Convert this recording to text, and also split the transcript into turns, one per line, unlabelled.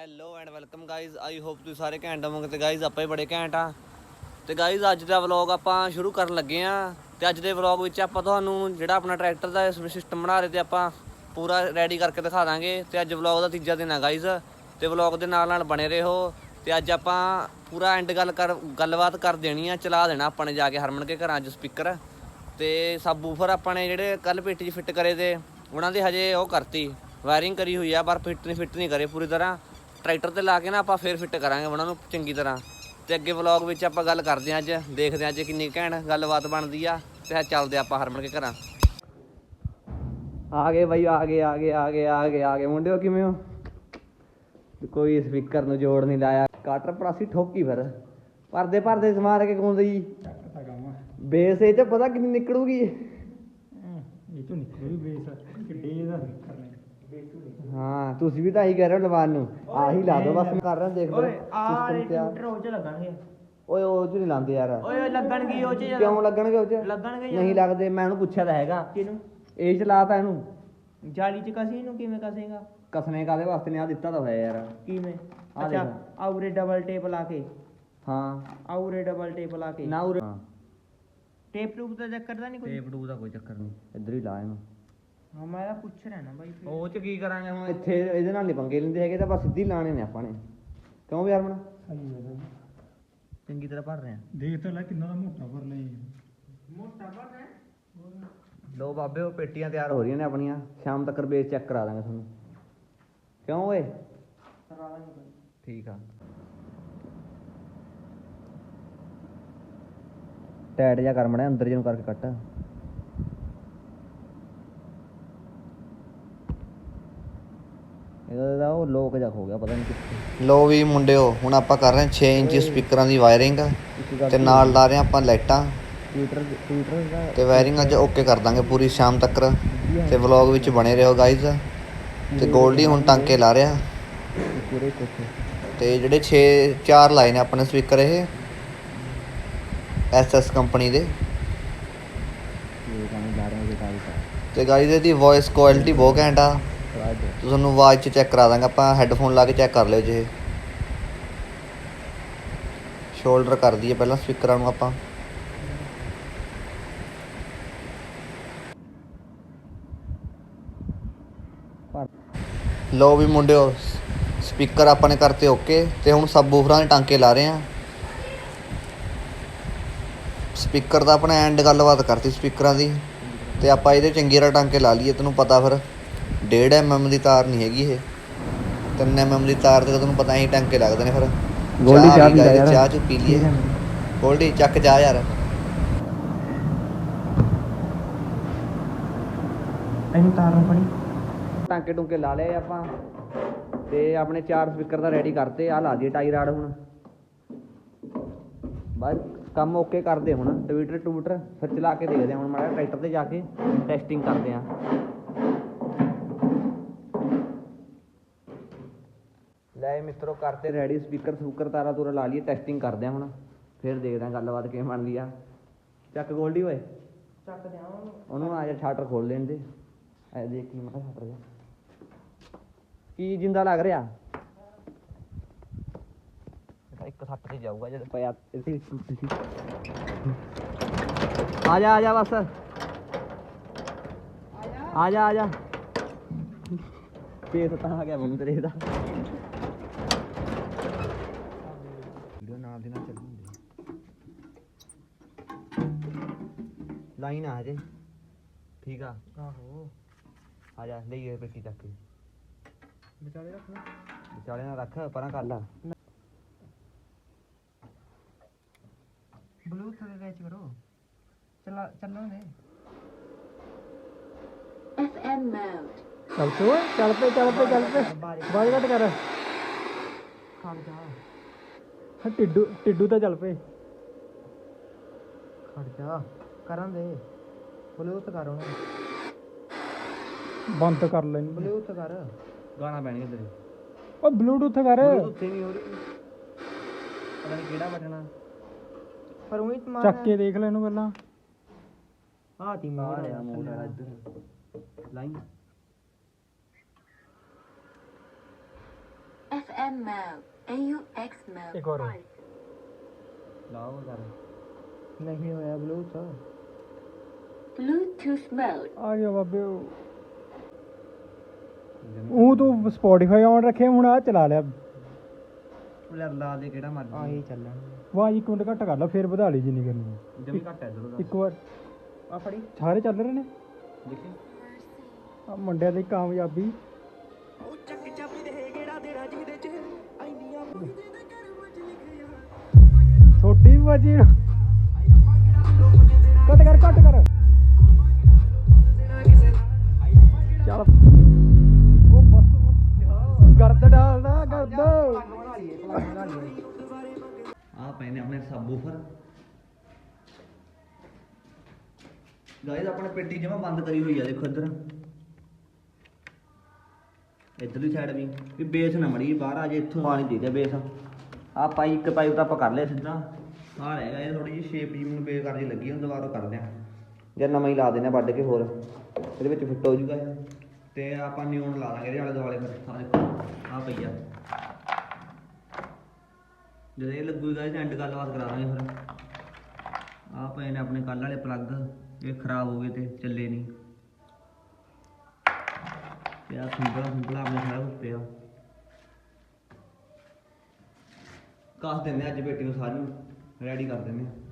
Hello and welcome guys, I hope ਤੁਸੀਂ ਸਾਰੇ ਘੈਂਟ ਹੋਵੋਗੇ। ਤੇ ਗਾਇਜ਼ ਆਪਾਂ ਹੀ ਬੜੇ ਘੈਂਟ ਆ। ਤੇ ਗਾਇਜ਼ ਅੱਜ ਦਾ ਵਲੌਗ ਆਪਾਂ ਸ਼ੁਰੂ ਕਰਨ ਲੱਗੇ ਆ। ਤੇ ਅੱਜ ਦੇ ਵਲੌਗ ਵਿੱਚ ਆਪਾਂ ਤੁਹਾਨੂੰ ਜਿਹੜਾ ਆਪਣਾ ਟਰੈਕਟਰ ਦਾ ਸਿਸਟਮ ਬਣਾ ਰਹੇ ਤੇ ਆਪਾਂ ਪੂਰਾ ਰੈਡੀ ਕਰਕੇ ਦਿਖਾ ਦਾਂਗੇ। ਤੇ ਅੱਜ ਵਲੌਗ ਦਾ ਤੀਜਾ ਦਿਨ ਆ ਗਾਇਜ਼, ਤੇ ਵਲੌਗ ਦੇ ਨਾਲ ਨਾਲ ਬਣੇ ਰਹੋ। ਤੇ ਅੱਜ ਆਪਾਂ ਪੂਰਾ ਐਂਡ ਗੱਲਬਾਤ ਕਰ ਦੇਣੀ ਆ, ਚਲਾ ਦੇਣਾ ਆਪਾਂ ਨੇ ਜਾ ਕੇ ਹਰਮਨ ਕੇ ਘਰਾਂ 'ਚ ਸਪੀਕਰ ਤੇ ਸਬ ਵੂਫਰ ਆਪਾਂ ਨੇ ਜਿਹੜੇ ਕੱਲ ਪੇਟੀ 'ਚ ਫਿੱਟ ਕਰੇ ਤੇ ਉਹਨਾਂ ਦੀ ਹਜੇ ਉਹ ਕਰਤੀ ਵਾਇਰਿੰਗ ਕਰੀ ਹੋਈ ਆ, ਪਰ ਫਿੱਟ ਨਹੀਂ ਕਰੇ ਪੂਰੀ ਤਰ੍ਹਾਂ। ਟਰੈਕਟਰ 'ਤੇ ਲਾ ਕੇ ਨਾ ਆਪਾਂ ਫਿਰ ਫਿੱਟ ਕਰਾਂਗੇ ਉਹਨਾਂ ਨੂੰ ਚੰਗੀ ਤਰ੍ਹਾਂ। ਤੇ ਅੱਗੇ ਵਲੌਗ ਵਿੱਚ ਆਪਾਂ ਗੱਲ ਕਰਦੇ ਹਾਂ, ਅੱਜ ਦੇਖਦੇ ਹਾਂ ਅੱਜ ਕਿੰਨੀ ਘੈਂਟ ਗੱਲਬਾਤ ਬਣਦੀ ਆ। ਤੇ ਚੱਲਦੇ ਆਪਾਂ ਹਰਮਨ ਕੇ ਘਰਾਂ। ਆ ਗਏ ਬਾਈ, ਆ ਗਏ ਮੁੰਡਿਓ, ਕਿਵੇਂ ਹੋ? ਕੋਈ ਸਪੀਕਰ ਨੂੰ ਜੋੜ ਨਹੀਂ ਲਾਇਆ, ਕਾਟਰ ਪਰਾਸੀ ਠੋਕੀ ਫਿਰ ਭਰਦੇ ਸਮਾਰ ਕੇ ਗਾਉਂਦੇ ਜੀ। ਬੇਸ ਇਹ 'ਚ ਪਤਾ ਕਿੰਨੀ ਨਿਕਲੂਗੀ ਇਹ ਚੋਂ ਨਿਕਲੂਗੀ ਬੇਸ ਕਿੱਡੇ ਦਾ ਕਰਨਾ। ਹਾਂ ਤੁਸੀਂ ਵੀ ਤਾਂ ਇਹੀ ਕਹਿ ਰਹੇ ਹੋ ਲਵਾਨ ਨੂੰ, ਆਹੀ ਲਾ ਦੋ ਬਸ। ਮੈਂ ਕਰ ਰਿਹਾ ਦੇਖ ਲਓ ਸਿਸਟਮ ਤਿਆਰ। ਉਹ 'ਚ ਲੱਗਣਗੇ ਓਏ, ਉਹ 'ਚ ਨਹੀਂ ਲਾਉਂਦੇ ਯਾਰ। ਓਏ ਲੱਗਣਗੇ ਉਹ 'ਚ। ਕਿਉਂ ਲੱਗਣਗੇ ਉਹ 'ਚ? ਲੱਗਣਗੇ ਨਹੀਂ ਲੱਗਦੇ, ਮੈਂ ਉਹਨੂੰ ਪੁੱਛਿਆ ਤਾਂ ਹੈਗਾ। ਕਿਹਨੂੰ? ਇਹ 'ਚ ਲਾਤਾ ਇਹਨੂੰ ਜਾਲੀ 'ਚ ਕਸੀ ਨੂੰ। ਕਿਵੇਂ ਕਸੇਗਾ? ਕਸਣੇ ਕਾਹਦੇ ਵਾਸਤੇ ਨੇ? ਆ ਦਿੱਤਾ ਤਾਂ ਹੋਇਆ ਯਾਰ। ਕਿਵੇਂ? ਅੱਛਾ ਆਉਰੇ ਡਬਲ ਟੇਪ ਲਾ ਕੇ। ਹਾਂ ਆਉਰੇ ਡਬਲ ਟੇਪ ਲਾ ਕੇ ਨਾ ਉਰੇ। ਟੇਪ ਟੂਪ ਦਾ ਚੱਕਰ ਤਾਂ ਨਹੀਂ ਕੋਈ? ਟੇਪ ਟੂਪ ਦਾ ਕੋਈ ਚੱਕਰ ਨਹੀਂ, ਇੱਧਰ ਹੀ ਲਾ ਇਹਨੂੰ। ਹਾਂ ਮੈਂ ਤਾਂ ਪੁੱਛ ਰਿਹਾ ਨਾ ਬਾਈ, ਉਹ 'ਚ ਕੀ ਕਰਾਂਗੇ ਹੁਣ? ਇੱਥੇ ਇਹਦੇ ਨਾਲ ਨਹੀਂ ਪੰਗੇ ਲੈਂਦੇ ਹੈਗੇ, ਤਾਂ ਬਸ ਸਿੱਧੀ ਲਾਣੇ ਨੇ ਆਪਾਂ ਨੇ। ਕਿਉਂ ਵੀ ਹਰਮਨ? ਚੰਗੀ ਤਰ੍ਹਾਂ ਭਰ ਰਹੇ ਆ। ਦੇਖ ਤਾਂ ਲੈ ਕਿੰਨਾ ਦਾ ਮੋਟਾ ਭਰ ਲਿਆ। ਮੋਟਾ ਭਰ ਰਿਹਾ। ਲੋ ਬਾਬੇ, ਉਹ ਪੇਟੀਆਂ ਤਿਆਰ ਹੋ ਰਹੀਆਂ ਨੇ ਆਪਣੀਆਂ, ਸ਼ਾਮ ਤੱਕ ਬੇਸ ਚੈੱਕ ਕਰਾ ਦਾਂਗੇ ਤੁਹਾਨੂੰ। ਕਿਉਂ ਓਏ? ਕਰਾ ਦਾਂਗੇ ਠੀਕ ਆ। ਟਾਈਟ ਜਿਹਾ ਕਰ ਮੜਿਆ, ਅੰਦਰ ਜਿਹਨੂੰ ਕਰਕੇ ਕੱਟ। ਇਹਦਾ ਉਹ ਲੋਕ ਜਾ ਹੋ ਗਿਆ, ਪਤਾ ਨਹੀਂ ਕਿੱਥੇ। ਲੋ ਵੀ ਮੁੰਡਿਓ, ਹੁਣ ਆਪਾਂ ਕਰ ਰਹੇ 6 ਇੰਚ ਸਪੀਕਰਾਂ ਦੀ ਵਾਇਰਿੰਗ ਤੇ ਨਾਲ ਲਾ ਰਹੇ ਆਪਾਂ ਲਾਈਟਾਂ ਤੇ ਵਾਇਰਿੰਗ ਅੱਜ ਓਕੇ ਕਰ ਦਾਂਗੇ ਪੂਰੀ ਸ਼ਾਮ ਤੱਕ। ਤੇ ਵਲੌਗ ਵਿੱਚ ਬਣੇ ਰਹੋ ਗਾਈਜ਼। ਤੇ ਗੋਲਡੀ ਹੁਣ ਟਾਂਕੇ ਲਾ ਰਿਹਾ। ਤੇ ਜਿਹੜੇ 4 ਲਾਏ ਨੇ ਆਪਣੇ ਸਪੀਕਰ, ਇਹ SS ਕੰਪਨੀ ਦੇ। ਤੇ ਗਾਈਜ਼ ਇਹਦੀ ਵੋਇਸ ਕੁਆਲਿਟੀ ਬਹੁਤ ਘੈਂਟ ਆ। ਤੁਹਾਨੂੰ ਆਵਾਜ਼ 'ਚ ਚੈੱਕ ਕਰਾ ਦਾਂਗੇ ਆਪਾਂ, ਹੈੱਡਫੋਨ ਲਾ ਕੇ ਚੈੱਕ ਕਰ ਲਿਓ ਜੇ। ਸ਼ੋਲਡਰ ਕਰ ਦਈਏ ਪਹਿਲਾਂ ਸਪੀਕਰਾਂ ਨੂੰ ਆਪਾਂ। ਲੋ ਵੀ ਮੁੰਡਿਓ, ਸਪੀਕਰ ਆਪਾਂ ਨੇ ਕਰਤੇ ਓਕੇ। ਤੇ ਹੁਣ ਸਬ ਵੂਫਰਾਂ ਦੇ ਟਾਂਕੇ ਲਾ ਰਹੇ ਆ। ਸਪੀਕਰ ਦਾ ਆਪਣਾ ਐਂਡ ਗੱਲਬਾਤ ਕਰਤੀ ਸਪੀਕਰਾਂ ਦੀ। ਤੇ ਆਪਾਂ ਇਹਦੇ ਚੰਗੀ ਤਰ੍ਹਾਂ ਟਾਂਕੇ ਲਾ ਲਈਏ। ਤੈਨੂੰ ਪਤਾ ਫਿਰ 1.5 mm ਦੀ ਤਾਰ ਨਹੀਂ ਹੈਗੀ ਇਹ, 3 mm ਦੀ ਤਾਰ ਤੇ ਤੁਹਾਨੂੰ ਪਤਾ ਹੀ ਟਾਂਕੇ ਲੱਗਦੇ ਨੇ। ਫਿਰ ਚਾਹ ਚੁ ਪੀ ਲਈਏ। ਗੋਲਡੀ ਚੱਕ ਜਾ ਯਾਰ। ਇਹਨੂੰ ਤਾਰ ਨੂੰ ਫੜੀ। ਟਾਂਕੇ ਟੂੰਕੇ ਲਾ ਲਏ ਆਪਾਂ ਤੇ ਆਪਣੇ 4 ਸਪੀਕਰ ਦਾ ਰੈਡੀ ਕਰਤੇ। ਆਹ ਲਾ ਦਈਏ ਟਾਈ ਰਾਡ ਹੁਣ। ਬਸ ਕੰਮ ਓਕੇ ਕਰਦੇ ਹੁਣ। ਟਵੀਟਰ ਫਿਰ ਚਲਾ ਕੇ ਦੇਖਦੇ ਹਾਂ ਹੁਣ ਮਾੜਾ ਟਰੈਕਟਰ 'ਤੇ ਜਾ ਕੇ ਟੈਸਟਿੰਗ ਕਰਦੇ ਹਾਂ। ਲੈ ਮਿੱਤਰੋ ਕਰਤੇ ਰੈਡੀ ਸਪੀਕਰ ਤਾਰਾਂ ਤੂਰਾਂ ਲਾ ਲਈਏ, ਟੈਸਟਿੰਗ ਕਰਦੇ ਹਾਂ ਹੁਣ। ਫਿਰ ਦੇਖਦੇ ਹਾਂ ਗੱਲਬਾਤ ਕਿਵੇਂ ਬਣਦੀ ਆ। ਚੱਕ ਗੋਲਡੀ ਓਏ, ਚੱਕ ਦਿਆਂ ਉਹਨੂੰ। ਆ ਜਾ ਸ਼ਟਰ ਖੋਲ ਲੈਣ ਦੇ। ਐ ਦੇਖ ਕੀ ਮਾੜਾ ਸ਼ਟਰ ਜਾ ਕੀ ਜਿੰਦਾ ਲੱਗ ਰਿਹਾ। ਇੱਕ ਸੱਟ ਤੇ ਜਾਊਗਾ ਜਦ ਪਿਆ। ਆ ਜਾ ਬਸ, ਆ ਜਾ ਫੇਸ ਤਾਂ ਆ ਗਿਆ ਮੈਨੂੰ ਤੇਰੇ ਦਾ। ਵੀਡੀਓ ਨਾਲ ਦੀ ਨਾਲ ਚੱਲੀ ਹੁੰਦੀ ਲਾਈਨ ਆ ਹਜੇ। ਠੀਕ ਆ। ਆਹੋ ਆ ਜਾ ਲਈਏ ਪੇਟੀ ਚੱਕ ਕੇ। ਵਿਚਾਲੇ ਨਾਲ ਰੱਖ, ਪਰਾਂ ਕਰ ਲਾ। ਬਲੂਟੂਥ ਦੇ ਵਿੱਚ ਕਰੋ। ਚੱਲਣ ਦੇ। FM mode। ਚੱਲ ਪੇ ਬਾਜ ਘੱਟ ਕਰ। ਖੜ ਜਾ ਟਿੱਡੂ ਤਾਂ ਚੱਲ ਪਏ। ਖੜ ਜਾ ਕਰਨ ਦੇ। ਬਲੂਟੂਥ ਕਰ ਉਹਨੂੰ ਬੰਦ ਕਰ ਲੈ। ਬਲੂਟੂਥ ਕਰ, ਗਾਣਾ ਪੈਣਗੇ ਤੇਰੇ। ਉਹ ਬਲੂਟੂਥ ਕਰ। ਉੱਥੇ ਨਹੀਂ ਹੋ ਰਹੀ, ਪਤਾ ਨਹੀਂ ਕਿਹੜਾ ਬਟਨਾ। ਪਰ ਉਹੀ ਚੱਕ ਕੇ ਦੇਖ ਲੈ ਇਹਨੂੰ ਪਹਿਲਾਂ। ਆਹ ਤੀ ਮਾਰ ਆ ਮੋੜ ਵਾਲਾ ਇੱਧਰ line.
FM mode, AUX mode.
ਇੱਕ ਹੋਰ
ਲਾਓ ਕਰ
ਨਹੀਂ ਹੋਇਆ ਬਲੂਟੂਥ
Bluetooth mode.
ਆ ਗਿਆ ਬਾਬੇ ਉਹ ਤੂੰ ਸਪੋਟੀਫਾਈ ਆਨ ਰੱਖਿਆ ਹੁਣ ਆ ਚਲਾ ਲਿਆ
ਲੈ ਲਾ ਦੇ ਕਿਹੜਾ ਮਰਜ਼ੀ
ਆਹੀ ਚੱਲਣਾ ਵਾਹ ਇੱਕ ਮਿੰਟ ਘੱਟ ਕਰ ਲਾ ਫੇਰ ਵਧਾ ਲਈ ਜਿੰਨੀ ਕਰਨੀ ਹੈ।
ਜਮੀ ਘੱਟ ਹੈ ਇਧਰੋਂ
ਇੱਕ ਵਾਰ
ਆ ਫੜੀ
ਸਾਰੇ ਚੱਲ ਰਹੇ ਨੇ
ਦੇਖੀ
ਆ ਮੁੰਡਿਆਂ ਦੀ ਕਾਮਯਾਬੀ ਛੋਟੀ ਬਾਜੀ ਕੱਟ ਕਰ ਚੱਲ ਉਹ ਬਸ ਗਰਦ ਡਾਲਦਾ ਗਰਦ
ਆ ਪਏ ਨੇ ਆਪਣੇ ਸਬਵੂਫਰ ਗਾਇਸ ਆਪਣੇ ਪੇਟੀ ਜਮਾ ਬੰਦ ਕਰੀ ਹੋਈ ਆ ਦੇਖੋ ਇੱਧਰਲੀ ਸਾਈਡ ਵੀ ਬੇਸ ਨਾ ਮੜੀ ਬਾਹਰ ਆ ਜੇ ਇੱਥੋਂ ਪਾਣੀ ਦੇ ਦੇ ਬੇਸ ਆ ਪਾਈ ਇੱਕ ਪਾਈਪ ਤਾਂ ਆਪਾਂ ਕਰ ਲਿਆ ਸਿੱਧਾ ਆ ਰਹਿ ਗਿਆ ਇਹ ਥੋੜੀ ਜਿਹੀ ਸ਼ੇਪ ਜੀ ਮੈਨੂੰ ਬੇਕਾਰ ਜੀ ਲੱਗੀ ਹੁਣ ਦੁਬਾਰਾ ਕਰਦੇ ਆ ਜਾਂ ਨਵਾਂ ਹੀ ਲਾ ਦਿੰਦੇ ਆ ਵੱਢ ਕੇ ਹੋਰ ਇਹਦੇ ਵਿੱਚ ਫਿੱਟ ਹੋ ਜੂਗਾ ਤੇ ਆਪਾਂ ਨਿਊਨ ਲਾ ਦਾਂਗੇ ਇਹਦੇ ਆਲੇ ਦੁਆਲੇ ਫਿਰ ਆ ਦੇਖੋ ਆ ਪਈ ਆ ਜਦੋਂ ਇਹ ਲੱਗੂਗਾ ਇਹਦੇ ਐਂਡ ਗੱਲਬਾਤ ਕਰਾ ਦਾਂਗੇ ਫਿਰ ਆ ਪਏ ਨੇ ਆਪਣੇ ਕੱਲ੍ਹ ਵਾਲੇ ਪਲੱਗ ਇਹ ਖਰਾਬ ਹੋ ਗਏ ਤੇ ਚੱਲੇ ਨਹੀਂ ਤੇ ਆ ਸਿੰਪਲ ਆਪਣੇ ਸਾਰਾ ਕੁਝ ਪਿਆ ਕੱਸ ਦਿੰਦੇ ਅੱਜ ਬੇਟੀ ਨੂੰ ਸਾਰੀ ਰੈਡੀ ਕਰ ਦਿੰਦੇ ਆ